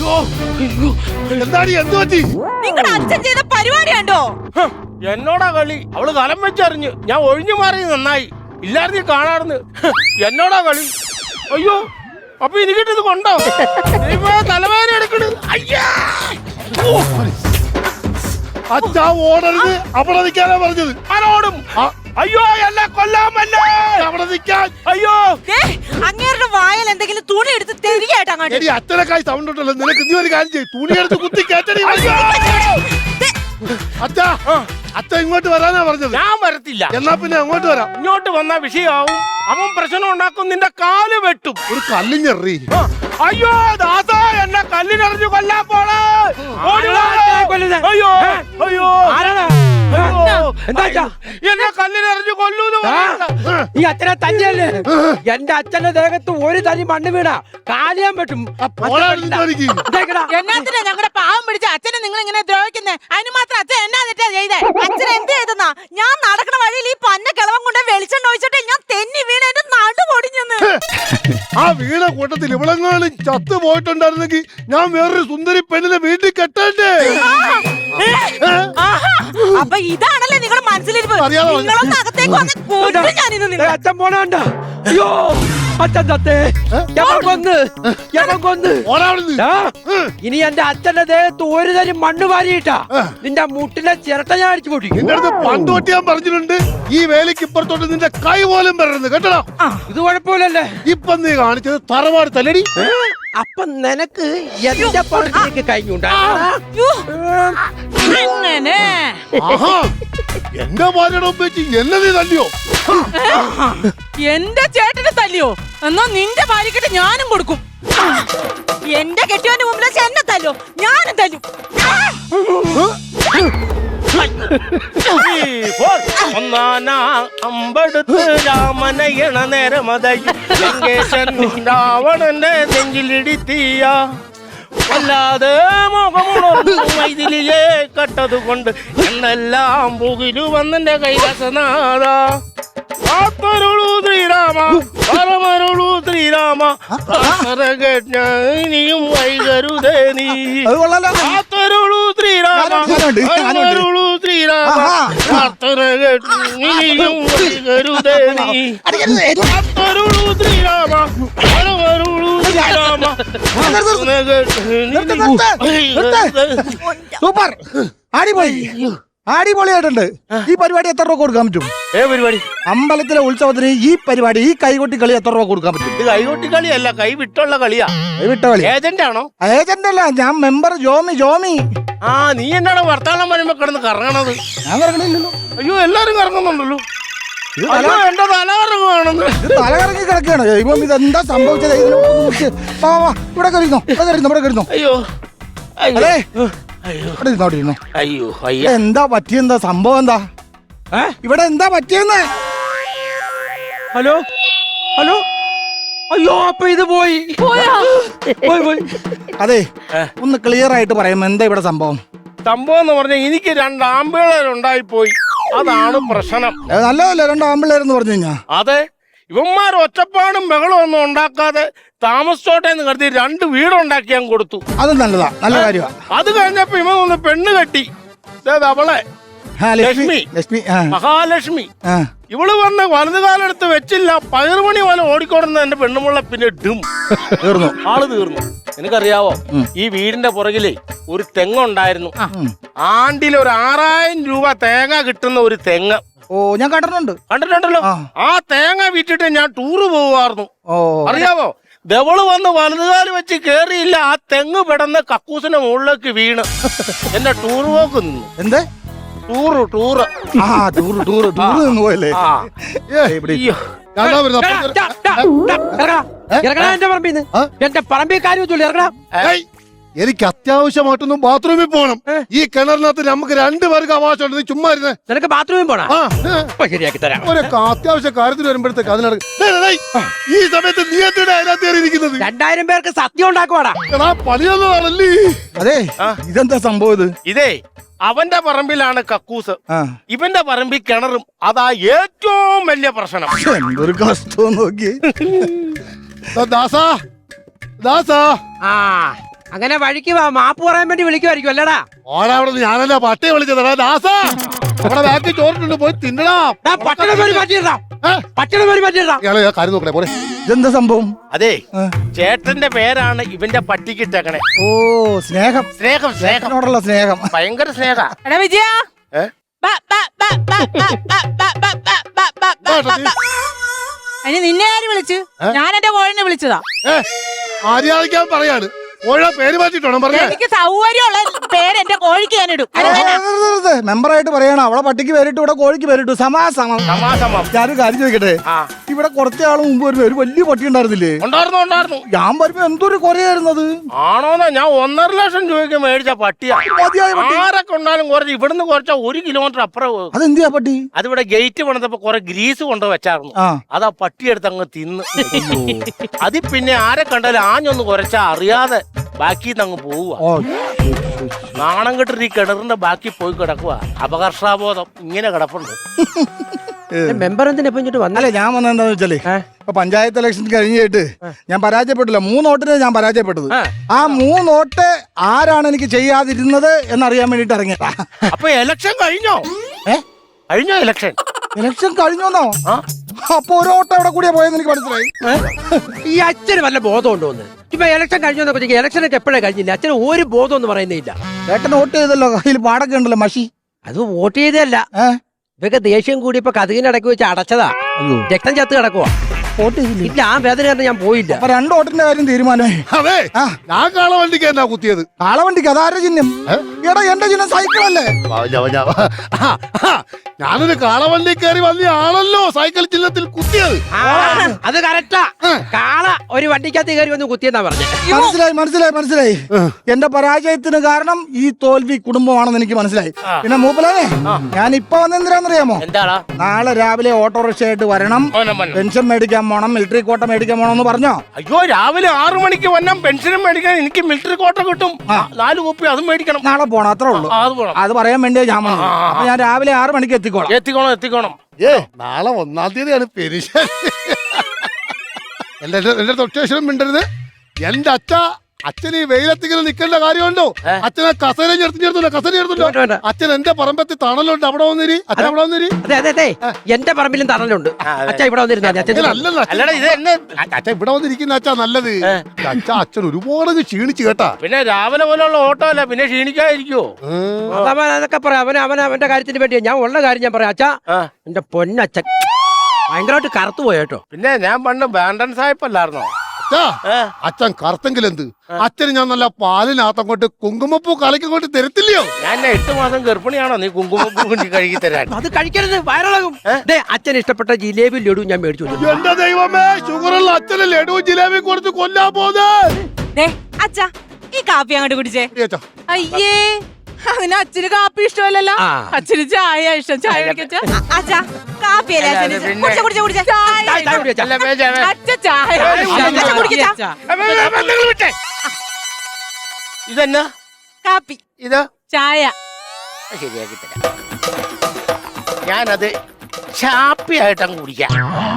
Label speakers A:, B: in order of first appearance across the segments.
A: എന്താണ് എന്ത് പറ്റി?
B: നിങ്ങളുടെ അച്ഛൻ ചെയ്ത പരിപാടി കണ്ടോ?
C: എന്നോടാ കളി. അവള് കലം വെച്ചറിഞ്ഞ് ഞാൻ ഒഴിഞ്ഞു മാറി നന്നായി. ഇല്ലായിരുന്നു കാണാറുന്ന്. എന്നോടാ കളി. അയ്യോ, അപ്പൊ എനിക്കിട്ടത് കൊണ്ടോ? തലവേദന എടുക്കണത്. അയ്യാ,
A: അച്ഛാ ഓടരുത്, അവിടെ നിൽക്കാനാ പറഞ്ഞത്.
C: ആരോടും? അയ്യോ, എന്നെ കൊല്ലാമല്ലേ,
A: അവിടെ നിൽക്കാൻ.
C: അയ്യോ,
B: അങ്ങേരുടെ വായൽ എന്തെങ്കിലും തുണി എടുത്ത് തെരിയായിട്ട് അങ്ങോട്ട്.
A: എടി അച്ഛനക്കായി സൗണ്ട് ഉണ്ടല്ലോ, നിനക്ക് നീ ഒരു കാര്യം ചെയ്യും, തുണി എടുത്ത് കുത്തി കേട്ടടി. അച്ഛാ, അച്ഛൻ ഇങ്ങോട്ട് വരാനാ പറഞ്ഞത്.
C: ഞാൻ വരത്തില്ല.
A: എന്നാ പിന്നെ അങ്ങോട്ട് വരാം.
C: ഇങ്ങോട്ട് വന്നാ വിഷയാവും. അവൻ പ്രശ്നം ഉണ്ടാക്കും, നിന്റെ കാല് വെട്ടും.
A: ഒരു കല്ലിഞ്ഞെറി.
C: അയ്യോ ദാസ, എന്നെ കല്ലിനെറിഞ്ഞു കൊല്ലാൻ പോണേ. അയ്യോ അയ്യോ,
D: എന്താ
C: എന്നെ കല്ലിനെറിഞ്ഞു കൊല്ലൂന്ന്.
D: ഈ അച്ഛനെ തന്നെയല്ലേ? എന്റെ അച്ഛന്റെ ദേഹത്ത് ഒരു തരി മണ്ണ് വീണ കാലിയാൻ പറ്റും.
B: എന്നാത്തിനാ ഞങ്ങളുടെ പാവം പിടിച്ച അച്ഛനെ നിങ്ങൾ ഇങ്ങനെ ദ്രോഹിക്കുന്നേ? അതിന് മാത്രം അച്ഛൻ എന്നാ തെറ്റാ ചെയ്തേ? അച്ഛൻ എന്ത് ചെയ്തെന്നാ? ഞാൻ നടക്കണ വഴിയിൽ ഈ പന്ന കിളവൻ കൊണ്ട് വെളിച്ചെണ്ണ ഒഴിച്ചിട്ട് ഞാൻ തെന്നി വീണ എന്റെ നടു പൊടിഞ്ഞെന്ന്.
A: ആ വീണ കൂട്ടത്തിൽ ഇവളെങ്ങാനും ചത്തു പോയിട്ടുണ്ടായിരുന്നെങ്കിൽ ഞാൻ വേറൊരു സുന്ദരി പെണ്ണിനെ വീട്ടിൽ കെട്ടണ്ടേ?
B: അപ്പൊ ഇതാണല്ലേ നിങ്ങളുടെ മനസ്സിലിരിപ്പ്? നിങ്ങളൊന്ന് അകത്തേക്ക് വന്ന് കൊല്ലും ഞാനിന്ന് നിന്നെ.
D: അച്ഛൻ പോണണ്ട. അയ്യോ, അച്ഛൻ തത്തേ, കൊന്ന്. ഇനി എന്റെ അച്ഛന്റെ ദേഹത്ത് ഒരു തരി മണ്ണ് വാരിയിട്ടാ നിന്റെ മുട്ടിലെ ചിരട്ട ഞാൻ അടിച്ചു പൊട്ടിക്കും.
A: നിന്റെ അടുത്ത് പണ്ട് തൊട്ട് ഞാൻ പറഞ്ഞിട്ടുണ്ട്, ഈ വേലിക്ക് ഇപ്പുറത്തോട്ട് നിന്റെ കൈ പോലും വരരുത് കേട്ടോ.
D: ഇത് കുഴപ്പമില്ലല്ലേ?
A: ഇപ്പൊ നീ കാണിച്ചത് തറവാട് തല്ലടി.
D: അപ്പൊ നിനക്ക് എന്റെ പറച്ചിലേക്ക് കഴിഞ്ഞുണ്ടാ.
A: എന്റെ ഭാര്യയുടെ വെച്ച് എന്നെ നീ തല്ലിയോ?
B: എന്റെ ചേട്ടനെ തല്ലിയോ? എന്നാ നിന്റെ ഭാര്യക്കിട്ട് ഞാനും കൊടുക്കും. എന്റെ കെട്ടിയോന്റെ മുമ്പിൽ വെച്ച് എന്നെ തല്ലോ, ഞാനും തല്ലും.
C: അമ്പെടുത്ത് രാമനയണ നേരമതയും രാവണന്റെ നെഞ്ചിലിടിത്തീയ വല്ലാതെ മുഖമുണർന്നിലിയെ കട്ടതുകൊണ്ട് എന്നെല്ലാം പുകിലു വന്നെന്റെ കൈലാസനാഥ. കാത്തരുളൂ ശ്രീരാമ, പരമരുളൂ ശ്രീരാമ, ഇനിയും വൈകരുതേ നീ. കാത്തരുളൂ ശ്രീരാമ, പരമരുളൂ ശ്രീരാമ, ഇനിയും വൈകരുതേ നീ. കാത്തരുളൂ ശ്രീരാമ, പരമരുളൂ ശ്രീരാമ.
E: സൂപ്പർ, അടിപൊളിയായിട്ടുണ്ട്. ഈ പരിപാടി എത്ര രൂപ കൊടുക്കാൻ പറ്റും?
C: പരിപാടി
E: അമ്പലത്തിലെ ഉത്സവത്തിന് ഈ പരിപാടി, ഈ കൈകൊട്ടി കളി എത്ര രൂപ കൊടുക്കാൻ പറ്റും?
C: ഇത് കൈകൊട്ടി കളിയല്ല, കൈ വിട്ടുള്ള കളിയാ.
E: വിട്ട കളി.
C: ഏജന്റ് ആണോ?
E: ഏജന്റ് അല്ല, ഞാൻ മെമ്പർ ജോമി.
C: ആ, നീ എന്നാണ് വർത്താനം വരുമ്പോ കിടന്ന് കറങ്ങണത്?
E: ഞാൻ കറങ്ങണില്ലല്ലോ.
C: അയ്യോ, എല്ലാരും കറങ്ങുന്നുണ്ടല്ലോ. എന്റെ തലകറങ്ങുവാണെന്ന്.
E: തലകറങ്ങി കിടക്കുകയാണ്. ഇപ്പം ഇതെന്താ സംഭവിച്ചത്? ഇവിടെ കരുന്നോ.
C: അയ്യോ
E: അല്ലേ,
C: അയ്യോ അയ്യോ,
E: എന്താ പറ്റിയെന്താ സംഭവം? എന്താ ഇവിടെ എന്താ പറ്റിയെന്ന്?
D: Hello hello. അയ്യോ, അപ്പൊ ഇത് പോയി.
E: അതെ, ഒന്ന് ക്ലിയർ ആയിട്ട് പറയാം, എന്താ ഇവിടെ സംഭവം?
C: സംഭവം എന്ന് പറഞ്ഞാൽ എനിക്ക് 2 ആമ്പിള്ളേരുണ്ടായിപ്പോയി, അതാണ് പ്രശ്നം.
E: നല്ലതല്ലേ 2 ആമ്പിള്ളേരെന്ന് പറഞ്ഞു കഴിഞ്ഞാ?
C: അതെ, ഇവന്മാർ ഒറ്റപ്പാടും ബഹളം ഒന്നും ഉണ്ടാക്കാതെ താമസിച്ചോട്ടെ എന്ന് കരുതി 2 വീടുണ്ടാക്കി ഞാൻ കൊടുത്തു.
E: അത് നല്ലതാ, നല്ല കാര്യമാണ്.
C: അത് കഴിഞ്ഞപ്പോ ഇവൻ ഒന്ന് പെണ്ണ് കെട്ടി. അവളെ ലക്ഷ്മി, മഹാലക്ഷ്മി. ഇവള് വന്ന് വലതുകാലെടുത്ത് വെച്ചില്ല, പയറുമണി പോലെ ഓടിക്കൊടുന്ന എന്റെ പെണ്ണുമുള്ള പിന്നെ തീർന്നു, ആള് തീർന്നു. നിനക്കറിയാവോ, ഈ വീടിന്റെ പുറകിലേ ഒരു തെങ്ങുണ്ടായിരുന്നു. ആണ്ടിൽ ഒരു 6000 രൂപ തേങ്ങ കിട്ടുന്ന ഒരു തെങ്ങ്.
E: ഓ, ഞാൻ കണ്ടിട്ടുണ്ടല്ലോ.
C: ആ തേങ്ങ വിറ്റിട്ട് ഞാൻ ടൂറ് പോവായിരുന്നു. അറിയാവോ, ദവള് വന്ന് വലതുകാല് വെച്ച് കേറിയില്ല, ആ തെങ്ങ് പെടന്ന് കക്കൂസിന്റെ മുകളിലേക്ക് വീണ് എന്റെ ടൂർ പോക്ക് നിന്നു.
E: എന്തേ?
C: ടൂറ്
E: പോയല്ലേ?
D: എന്റെ പറമ്പിൽ കാര്യം ഇറങ്ങണം.
A: എനിക്ക് അത്യാവശ്യമായിട്ടൊന്നും ബാത്റൂമിൽ പോകണം. ഈ കിണറിനകത്ത് നമുക്ക് 2 പേർക്ക് അവകാശമുണ്ട്. നീ ചുമ്മാ ഇരുന്നേ.
D: നിനക്ക് ബാത്റൂമിൽ പോണോ? ശരിയാക്കി തരാം.
A: ഒരു അത്യാവശ്യ കാര്യത്തിന് വരുമ്പോഴത്തേക്ക് അതിനടക്ക്. ഈ സമയത്ത് നീ എന്തിനാ അതിനകത്ത് കയറിയിരിക്കുന്നത്?
D: 2000 പേർക്ക് സത്യം ഉണ്ടാക്കുവാടാ.
A: പണിയൊന്നതാണല്ലേ?
E: അതെ, ഇതെന്താ സംഭവം?
C: ഇതേ അവന്റെ പറമ്പിലാണ് കക്കൂസ്, ഇവന്റെ പറമ്പിൽ കിണറും. അതാ ഏറ്റവും വലിയ പ്രശ്നം.
E: എന്തൊരു കഷ്ടം നോക്കി.
A: ദാസാ,
D: അങ്ങനെ വഴിക്ക് വാ, മാപ്പ് പറയാൻ വേണ്ടി വിളിക്കുമായിരിക്കും അല്ലടാ.
A: ഓടാവിടെ ഞാനല്ല പട്ടിയെ വിളിച്ചത് ദാസാ അവിടെ ബാക്കി ചോറിട്ടുണ്ട് പോയി തിന്നടാ.
D: പട്ടണം പേര് മാറ്റിയിടാ,
A: ഏ?
D: പട്ടണം പേര് മാറ്റിയിടാ.
A: ഇയാളെ കാര്യം നോക്കണേ പോരെ.
E: ഇതെന്താ സംഭവം?
C: അതെ ചേട്ടന്റെ പേരാണ് ഇവന്റെ പട്ടിക്ക് ഇട്ടേക്കണേ.
E: ഓ സ്നേഹം,
C: സ്നേഹം സ്നേഹം
E: സ്നേഹത്തിനോടുള്ള സ്നേഹം.
C: ഭയങ്കര സ്നേഹ.
B: എടാ വിജയ
C: ഏ?
B: അതിന് നിന്നെ ആര് വിളിച്ചു? ഞാൻ എന്റെ കോഴിനെ വിളിച്ചതാ.
A: ആര്യാദിക്കാൻ പറയാണ്. കോഴിയുടെ പേര് മാറ്റിട്ടോ പറഞ്ഞേ.
B: എനിക്ക് സൗകര്യമുള്ള പേര് എന്റെ കോഴിക്ക് ഞാൻ ഇടും.
E: മെമ്പറായിട്ട് പറയണം. അവളെ പട്ടിക്ക് പേരിട്ടു, ഇവിടെ കോഴിക്ക് പേരിട്ടു. സമാസമം.
C: സമാസമം.
E: ഞാനൊരു കാര്യം ചോദിക്കട്ടെ,
C: ആ
E: ഇവിടെ കുറച്ച് ആൾ മുമ്പ് വരുമ്പോ ഒരു വലിയ പട്ടി ഉണ്ടായിരുന്നില്ലേ?
C: ഉണ്ടായിരുന്നു.
E: ഞാൻ വരുമ്പോ എന്തൊരു കുറയായിരുന്നത്.
C: ആണോന്നാ? ഞാൻ 1.5 ലക്ഷം രൂപയ്ക്ക് മേടിച്ച പട്ടിയാ.
E: മതിയായ പട്ടി.
C: ആരൊക്കെ ഉണ്ടാലും കുറച്ച് ഇവിടുന്ന് കുറച്ച 1 കിലോമീറ്റർ അപ്പുറം.
E: അതെന്തിയാ പട്ടി?
C: അതിവിടെ ഗേറ്റ് പണിതപ്പോ കുറെ ഗ്രീസ് കൊണ്ട് വെച്ചായിരുന്നു.
E: ആ
C: അതാ പട്ടിയെടുത്ത് അങ്ങ് തിന്ന്. അതിൽ പിന്നെ ആരെ കണ്ടാലും ആഞ്ഞൊന്ന് കുറച്ചാ അറിയാതെ ബാക്കി അങ്ങ് പോവുക.
E: ഓ
C: നാണം കെട്ടിട്ട് ഈ കിണറിന്റെ ബാക്കി പോയി കിടക്കുക. അപകർഷാബോധം ഇങ്ങനെ കിടപ്പുണ്ട്.
D: മെമ്പർ എന്തിനാ ഇപ്പൊ ഇങ്ങോട്ട് വന്നല്ലേ?
E: അല്ലേ ഞാൻ വന്നത് എന്താന്ന് വെച്ചാലേ, ഇപ്പൊ പഞ്ചായത്ത് ഇലക്ഷൻ കഴിഞ്ഞിട്ട് ഞാൻ പരാജയപ്പെട്ടില്ല. 3 വോട്ടിന് ഞാൻ പരാജയപ്പെട്ടത്. ആ 3 വോട്ട് ആരാണ് എനിക്ക് ചെയ്യാതിരുന്നത് എന്നറിയാൻ വേണ്ടിട്ട് ഇറങ്ങിയതാ.
C: അപ്പൊ ഇലക്ഷൻ കഴിഞ്ഞോ? കഴിഞ്ഞോ ഇലക്ഷൻ?
E: ഇലക്ഷൻ കഴിഞ്ഞോന്നോ? അപ്പൊ ഒരു വോട്ട് എവിടെ കൂടിയാ പോയെന്ന് എനിക്ക് മനസ്സിലായി.
D: ഈ അച്ഛന് വല്ല ബോധം ഉണ്ടോ? ഇപ്പൊ ഇലക്ഷൻ കഴിഞ്ഞോന്നൊക്കെ ഇലക്ഷനൊക്കെ എപ്പോഴേ കഴിഞ്ഞില്ല. അച്ഛന് ഒരു ബോധം ഒന്നും പറയുന്നില്ല.
E: ഏട്ടൻ വോട്ട് ചെയ്തല്ലോ, കയ്യിൽ പാടൊക്കെ ഉണ്ടല്ലോ മഷി.
D: അത് വോട്ട് ചെയ്തല്ല, ഇതൊക്കെ ദേഷ്യം കൂടി ഇപ്പൊ കഥകിനടക്കി വെച്ച് അടച്ചതാ. രക്തം ചത്ത് കിടക്കുവാ. വോട്ട് ചെയ്തില്ല. ഇല്ല, ആ വേദന കാരണം ഞാൻ പോയില്ല.
E: അപ്പൊ 2 വോട്ടിന്റെ കാര്യം തീരുമാനമായി.
A: അതെ ഞാൻ കാളവണ്ടിക്ക് എന്നാ കുത്തിയത്.
E: കാളവണ്ടിക്ക് അതാരുടെ ചിഹ്നം? എടാ എന്റെ ചിഹ്നം സൈക്കിളല്ലേ?
A: ഞാനൊരു കാളവണ്ടി കയറി വന്ന ആളല്ലോ സൈക്കിൾ ചിഹ്നത്തിൽ കുത്തിയത്.
D: അത് കറക്റ്റാ. കാള ഒരു വണ്ടിക്കകത്ത് കയറി വന്ന് കുത്തിയെന്നാ പറഞ്ഞത്.
E: മനസ്സിലായി. എന്റെ പരാജയത്തിന് കാരണം ഈ തോൽവി കുടുംബമാണെന്ന് എനിക്ക് മനസ്സിലായി. പിന്നെ മൂപ്പലേ, ഞാൻ ഇപ്പൊ വന്നെന്തിനാന്നറിയാമോ?
C: എന്താടാ?
E: നാളെ രാവിലെ ഓട്ടോറിക്ഷ ആയിട്ട് വരണം, പെൻഷൻ മേടിക്കാൻ പോണം, മിലിറ്ററി കോട്ട മേടിക്കാൻ പോണം എന്ന് പറഞ്ഞോ?
C: അയ്യോ, രാവിലെ 6 മണിക്ക് വന്നാൽ പെൻഷനും മേടിക്കാൻ എനിക്ക് മിലിറ്ററി കോട്ട കിട്ടും. 4 കോപ്പി അതും മേടിക്കണം.
E: നാളെ പോണം, അത്രേ ഉള്ളൂ.
C: അത് പോണം.
E: അത് പറയാൻ വേണ്ടിയാ ഞാൻ വന്നത്. അപ്പൊ ഞാൻ രാവിലെ 6 മണിക്ക് എത്തിക്കോളാം.
C: എത്തിക്കോണം.
A: നാളെ 1-ാം തീയതിയാണ് പെരിശ. എന്റെ തൊട്ടേശ്വരം മിണ്ടരുത്. എന്റെ അച്ഛൻ ഈ വെയിലത്തിങ്ങനെ നിൽക്കേണ്ട കാര്യമുണ്ടോ? അച്ഛനെ കസേര ചേർത്തുണ്ടോ? അച്ഛൻ എന്റെ പറമ്പത്തിൽ തണലുണ്ട്, അവിടെ വന്നിരി. അച്ഛൻ അവിടെ വന്നിരി.
D: അതെ എന്റെ പറമ്പിലും തണലുണ്ട്. അച്ഛൻ ഇവിടെ വന്നിരുന്നാ
A: അച്ഛൻ ഇവിടെ വന്നിരിക്കുന്ന അച്ഛാ നല്ലത്. അച്ഛൻ ഒരുപാട് ക്ഷീണിച്ചു കേട്ടാ.
C: പിന്നെ രാവിലെ പോലുള്ള ഓട്ടോ അല്ല, പിന്നെ ക്ഷീണിക്കാതിരിക്കോ?
D: അതൊക്കെ പറയാം. അവന്റെ കാര്യത്തിന് വേണ്ടിയാ. ഞാൻ ഉള്ള കാര്യം ഞാൻ പറയാം. അച്ഛാ, എന്റെ പൊന്നച്ഛൻ ഭയങ്കരമായിട്ട് കറുത്തു പോയേട്ടോ.
C: പിന്നെ ഞാൻ പണ്ട് ബാൻഡൻ സാഹിബല്ലായിരുന്നോ?
A: അച്ഛൻ കറുത്തെങ്കിൽ എന്ത്? അച്ഛന് ഞാൻ നല്ല പാലിനകത്തങ്ങോട്ട് കുങ്കുമപ്പൂ കലക്കങ്ങോട്ട് തരത്തില്ലയോ?
C: ഞാൻ 8 മാസം ഗർഭിണിയാണോ നീ കുങ്കുമപ്പൂ കൊണ്ട് കഴുകി തരാൻ?
D: അത് കഴിക്കരുത്, വയറിളകും. അച്ഛൻ ഇഷ്ടപ്പെട്ട ജിലേബി ലഡു ഞാൻ മേടിച്ചു.
A: എന്റെ ദൈവമേ, ഷുഗറുള്ള അച്ഛന് ലഡു ജിലേബി കൊടുത്ത് കൊല്ലാൻ പോകുന്നത്.
B: അച്ഛാ, ഈ കാപ്പി അങ്ങോട്ട് കുടിച്ചേ. അയ്യേ, അതിന് അച്ഛന് കാപ്പി ഇഷ്ടമല്ലല്ലോ. അച്ഛന് ചായ ഇഷ്ടം. ചായ അച്ഛാ, കാപ്പിയല്ലേ
C: ഇതെന്നാ
B: കാപ്പി?
C: ഇത്
B: ചായ.
C: ശരിയാക്കി തരാം. ഞാനത് ചാപ്പിയായിട്ടങ്ങ് കുടിക്കാം.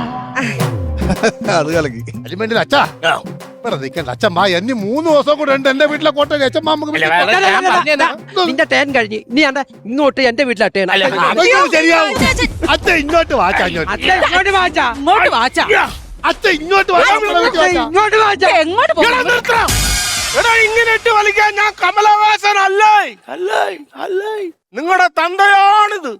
E: അത് കലക്കി.
A: അലിമെന്റിൽ അച്ഛാ നിൽക്കണ്ട. അച്ഛമ്മ എന്നെ 3 ദിവസം കൂടെ ഉണ്ട് എന്റെ വീട്ടിലെ കോട്ടയിൽ. അച്ഛമ്മ
D: നിന്റെ ടേൻ കഴിഞ്ഞ് നീ ഇങ്ങോട്ട് എന്റെ വീട്ടിലെ ടേൻ.
A: ശരിയാവും. അച്ഛൻ ഇങ്ങോട്ട് വാച്ചാ.
B: ഇങ്ങോട്ട് വാച്ചാ.
A: അച്ഛൻ ഇങ്ങോട്ട് വാച്ചാ.
B: എങ്ങോട്ട് പോകും?
C: ഇങ്ങനെ ഇട്ട് വലിക്കാൻ ഞാൻ കമലഹാസൻ അല്ലേ? നിങ്ങളുടെ തന്തയാണിത്.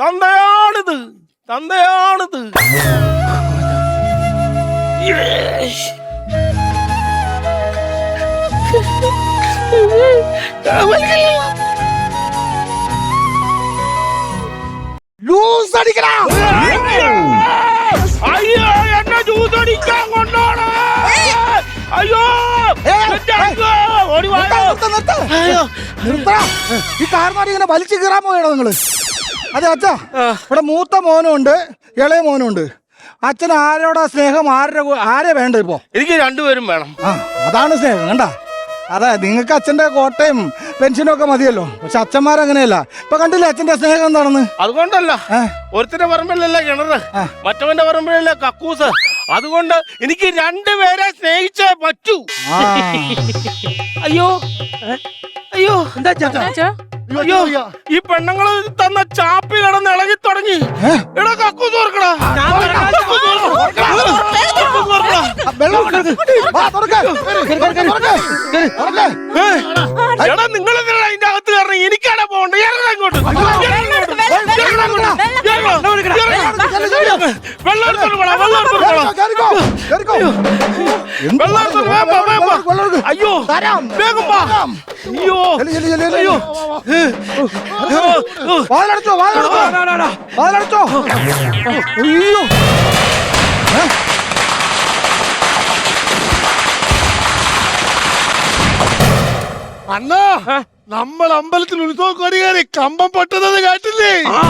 E: ലൂസ് അടിക്കടാ.
C: അയ്യോ, എന്നെ ജ്യൂസ് അടിക്കാൻ കൊണ്ടോണേ. അയ്യോ,
E: ഈ കാർമാരി ഇങ്ങനെ വലിച്ചു കീറാൻ പോയാണോ നിങ്ങള്? അതെ അച്ഛാ, ഇവിടെ മൂത്ത മോനും ഉണ്ട്, ഇളയ മോനും ഉണ്ട്. അച്ഛൻ ആരോടാ സ്നേഹം? ആരെ വേണ്ട ഇപ്പോ?
C: എനിക്ക് 2 പേരും വേണം.
E: അതാണ് സ്നേഹം. കണ്ട, അതെ, നിങ്ങൾക്ക് അച്ഛന്റെ കോട്ടയും പെൻഷനും ഒക്കെ മതിയല്ലോ. പക്ഷെ അച്ഛന്മാരങ്ങനെയല്ല. ഇപ്പൊ കണ്ടില്ലേ അച്ഛന്റെ സ്നേഹം എന്താണെന്ന്?
C: അതുകൊണ്ടല്ല, ഒരുത്തിന്റെ പറമ്പിലല്ല കിണറ്, മറ്റവന്റെ പറമ്പിലല്ല കക്കൂസ്. അതുകൊണ്ട് എനിക്ക് രണ്ടുപേരെ സ്നേഹിച്ചേ പറ്റൂ.
E: ആ.
C: അയ്യോ അയ്യോ
D: എന്താ
B: അച്ഛാ,
C: അയ്യോ ഈ പെണ്ണുങ്ങള് തന്ന ചാപ്പി കിടന്ന് ഇളകി തുടങ്ങി. എടാ കക്കു തോർക്കടാ.
E: വെള്ളം കൊടുക്ക്. വാ, തുറക്ക്. തുറക്ക്.
C: എടാ നിങ്ങൾ അതിന്റെ അകത്ത് കയറണം. എനിക്കാണ് പോകണ്ട. ഇറങ്ങാ ഇങ്ങോട്ട്. വെള്ളം എടുത്തോണ്ട് പോടാ, വെള്ളം എടുത്തോണ്ട് പോടാ.
E: കേറിക്കോ, കേറിക്കോ. എന്ത്
C: വെള്ളം എടുത്തോണ്ട് വാ, വാ, വാ, വാ.
E: വെള്ളം എടുക്ക്.
C: അയ്യോ
E: തരാം.
C: വേഗം വാ. അയ്യോ
E: ചെല്ല്, ചെല്ല്, ചെല്ല്, ചെല്ല്.
C: അയ്യോ
E: വാതിലടച്ചോ, വാതിലടച്ചോ. വാതിലടച്ചോ. അയ്യോ.
A: അണ്ണാ നമ്മൾ അമ്പലത്തിൽ ഉത്സവം കൊടിയേറി കമ്പം പൊട്ടുന്നത് കേട്ടില്ലേ?
C: ആ